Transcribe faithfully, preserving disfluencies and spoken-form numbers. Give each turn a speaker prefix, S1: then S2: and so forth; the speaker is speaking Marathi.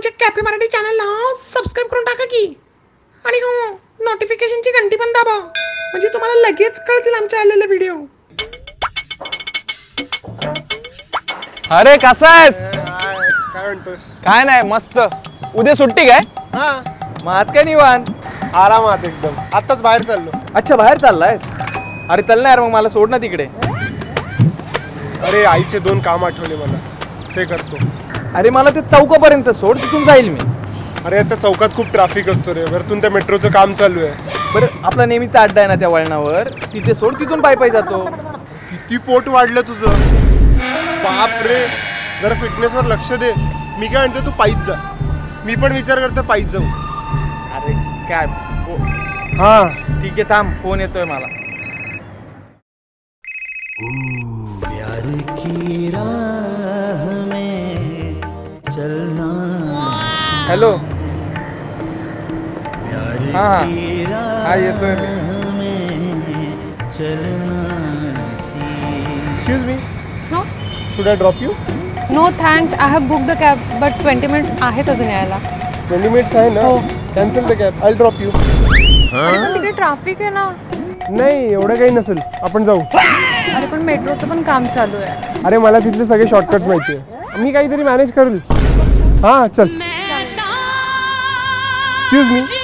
S1: आमच्या कॅफे मराठी चॅनलला सबस्क्राईब करून टाका की, आणि हो नोटिफिकेशनची घंटी पण दाबा, म्हणजे तुम्हाला लगेच कळतील आमचे आलेले व्हिडिओ.
S2: अरे कसा आहेस?
S3: काय म्हणतोस?
S2: काय नाही, मस्त. उद्या सुट्टी काय?
S3: हा,
S2: मग आज काय निवांत?
S3: आरामात एकदम. आत्ताच बाहेर चाललो.
S2: अच्छा, बाहेर चाललायस? अरे चल ना यार, मग मला सोड ना तिकडे.
S3: अरे आईचे दोन काम आठवले मला, ते करतो.
S2: अरे मला ते चौकापर्यंत सोड, तिथून जाईल मी.
S3: अरे आता चौकात खूप ट्रॅफिक असतो रे, वरतून त्या मेट्रोचं काम चालू आहे.
S2: बरं, आपला नेहमीचा अड्डा आहे ना त्या वळणावर, तिथे सोड, तिथून पायी पायी जातो.
S3: किती पोट वाढलं तुझं, बाप रे. जरा फिटनेसवर लक्ष दे. मी काय म्हणतो, तू पायीच जा. मी पण विचार करतो पायीच जाऊ.
S2: अरे काय, हा ठीक आहे, थांब, फोन येतोय मला.
S4: प्यार की राह में चलना.
S2: हॅलो.
S4: प्यार
S2: हाँ
S4: की राह
S2: हाँ येतोय
S4: में चलना.
S3: Excuse me,
S5: No?
S3: Should I drop you?
S5: No thanks. I have booked the cab, but twenty minutes आहेत अजून यायला.
S3: ट्वेंटी मिनिट्स आहे ना?
S5: हो.
S3: Cancel the cab, I drop you.
S5: अरे पण तिकडे ट्रॅफिक आहे ना.
S3: नाही, एवढं काही नसेल, आपण जाऊ.
S5: अरे पण मेट्रोचं पण काम चालू आहे.
S3: अरे मला तिथले सगळे शॉर्टकट माहिती आहे, मी काहीतरी मॅनेज करेल. हां चल. Excuse me,